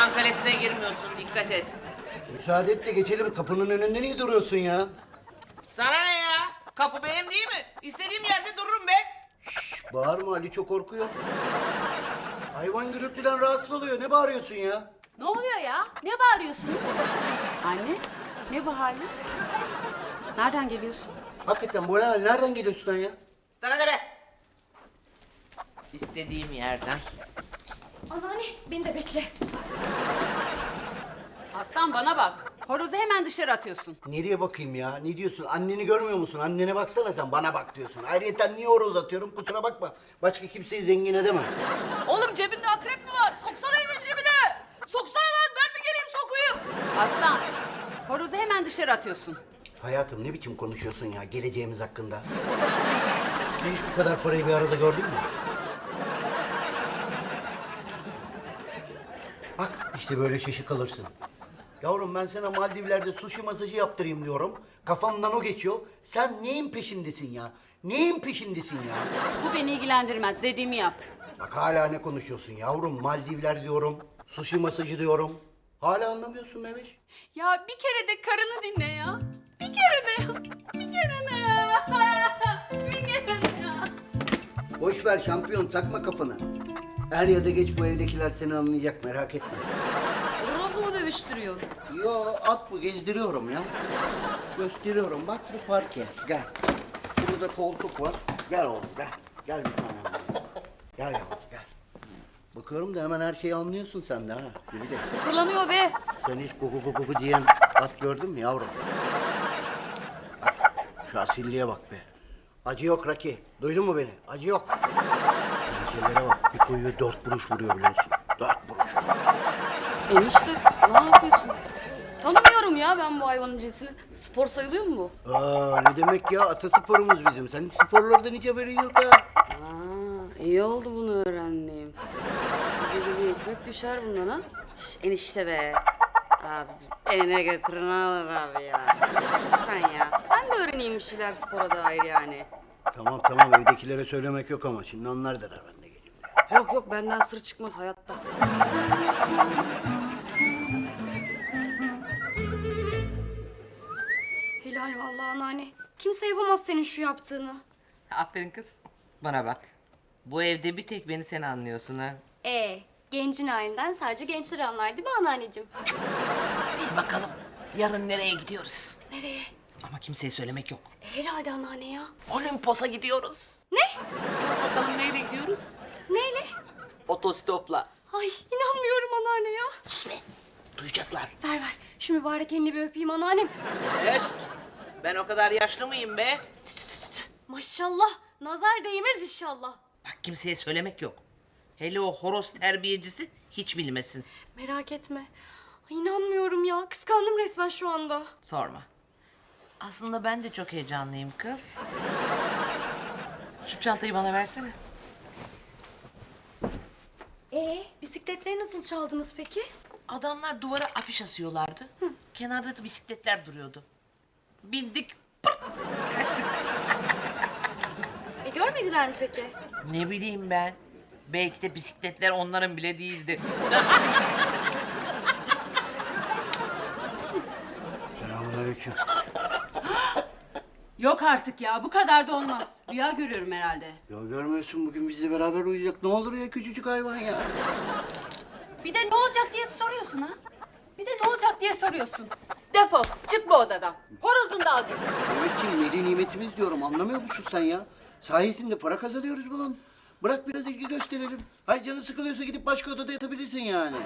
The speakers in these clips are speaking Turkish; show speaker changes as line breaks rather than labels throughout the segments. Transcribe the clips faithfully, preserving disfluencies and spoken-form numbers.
Yılan kalesine girmiyorsun, dikkat et.
Müsaade et de geçelim. Kapının önünde niye duruyorsun ya?
Sana ne ya? Kapı benim değil mi? İstediğim yerde dururum be.
Şş, bağırma, Ali çok korkuyor. Hayvan gürültüden rahatsız oluyor. Ne bağırıyorsun ya?
Ne oluyor ya? Ne bağırıyorsunuz? Anne, ne bu halin? Nereden geliyorsun?
Hakikaten bu ne? Nereden geliyorsun sen ya?
Sana ne be? İstediğim yerden.
Anneanne beni de bekle.
Aslan bana bak. Horozu hemen dışarı atıyorsun.
Nereye bakayım ya? Ne diyorsun? Anneni görmüyor musun? Annene baksana sen. Bana bak diyorsun. Ayrıca niye horoz atıyorum? Kusura bakma. Başka kimseyi zengin edemem.
Oğlum cebinde akrep mi var? Soksana elini cebine. Soksana lan, ben mi geleyim sokuyum? Aslan, horozu hemen dışarı atıyorsun.
Hayatım ne biçim konuşuyorsun ya geleceğimiz hakkında? Sen hiç bu kadar parayı bir arada gördün mü? Bak işte böyle şaşı kalırsın. Yavrum ben sana Maldivler'de sushi masajı yaptırayım diyorum. Kafamdan o geçiyor. Sen neyin peşindesin ya? Neyin peşindesin ya?
Bu beni ilgilendirmez, dediğimi yap.
Bak hala ne konuşuyorsun yavrum? Maldivler diyorum. Sushi masajı diyorum. Hala anlamıyorsun Meveş.
Ya bir kere de karını dinle ya. Bir kere de ya. Bir kere de ya. Bir kere de ya.
Boş ver şampiyon takma kafanı. Er ya da geç bu evdekiler seni anlayacak merak etme.
Horozu mu dövüştürüyor?
Yo at bu gezdiriyorum ya. Gösteriyorum bak bu parke gel. Burada koltuk var. Gel oğlum gel. Gel bir tane. Gel yavrum gel. Bakıyorum da hemen her şeyi anlıyorsun sen de ha. Yürü de.
Kullanıyor be.
Sen hiç kuku kuku kuku diyen at gördün mü yavrum? Bak, şu asilliğe bak be. Acı yok Raki. Duydun mu beni? Acı yok. Pençelere bak. Bir koyuyor dört buruş vuruyor biliyorsun. Dört buruş.
Enişte ne yapıyorsun? Tanımıyorum ya ben bu hayvanın cinsini. Spor sayılıyor mu bu?
Aa ne demek ya? Atasporumuz bizim. Senin sporlardan hiç haberin yok ha.
Aa, iyi oldu bunu öğrendiğim. Bize de bir ekmek düşer bundan ha. Şş, enişte be. Abi beni ne getirin alır abi ya. Lütfen ya. Ben de öğreneyim bir şeyler spora dair yani.
Tamam tamam evdekilere söylemek yok ama şimdi onlar der ben de geleyim.
Yok yok benden sır çıkmaz hayatta.
Helal vallahi anneanne. Kimse yapamaz senin şu yaptığını.
Aferin kız. Bana bak. Bu evde bir tek beni sen anlıyorsun ha.
Ee, gencin halinden sadece gençler anlar değil mi anneanneciğim?
Bil bakalım. Yarın nereye gidiyoruz?
Nereye?
Ama kimseye söylemek yok.
Herhalde anneanne ya.
Olimpos'a gidiyoruz.
Ne?
Sor bakalım neyle gidiyoruz?
Neyle?
Otostopla.
Ay inanmıyorum anneanne ya.
Sus be. Duyacaklar.
Ver ver. Şu mübarek elini bir öpeyim anneannem.
Öst. Ben o kadar yaşlı mıyım be?
Maşallah. Nazar değmez inşallah.
Bak kimseye söylemek yok. Hele o horoz terbiyecisi hiç bilmesin.
Merak etme. Ay, inanmıyorum ya. Kıskandım resmen şu anda.
Sorma. Aslında ben de çok heyecanlıyım kız. Şu çantayı bana versene.
Ee, bisikletleri nasıl çaldınız peki?
Adamlar duvara afiş asıyorlardı. Kenarda da bisikletler duruyordu. Bindik, pıt, kaçtık.
E görmediler mi peki?
Ne bileyim ben. Belki de bisikletler onların bile değildi.
Selamünaleyküm.
Yok artık ya bu kadar da olmaz. Rüya görüyorum herhalde.
Ya görmüyorsun bugün bizle beraber uyuyacak. Ne olur ya küçücük hayvan ya.
Bir de ne olacak diye soruyorsun ha? Bir de ne olacak diye soruyorsun. Defol, çık bu odadan. Horozunu da al git.
Mehmetciğim veli nimetimiz diyorum anlamıyor musun sen ya? Sayesinde para kazanıyoruz bunun. Bırak biraz ilgi gösterelim. Hayır canı sıkılıyorsa gidip başka odada yatabilirsin yani.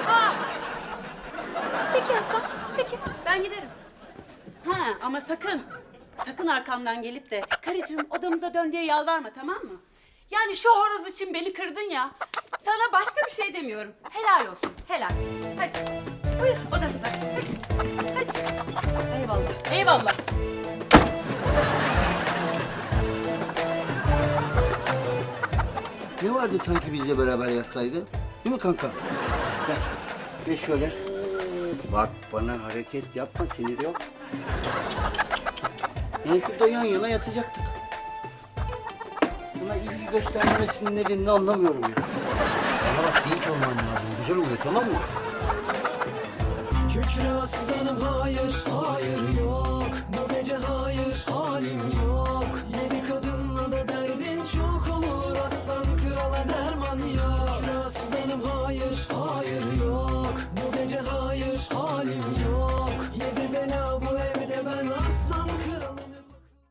Peki Hasan, peki. Ben giderim. Ha ama sakın, sakın arkamdan gelip de karıcığım odamıza dön diye yalvarma tamam mı? Yani şu horoz için beni kırdın ya. Sana başka bir şey demiyorum. Helal olsun, helal. Hadi, buyur odamıza. Hadi, hadi. Eyvallah, eyvallah.
Ne vardı sanki bizle beraber yatsaydı? Değil mi kanka? Gel, gel şöyle. Bak bana hareket yapma, sinir yok. Yani şurada yan yana yatacaktık. Buna ilgi göstermemesinin nedenini anlamıyorum ya. Bana bak dinç olman lazım, güzel oluyor tamam mı?
Kükre aslanım hayır, hayır yok. Bu gece hayır, halim yok.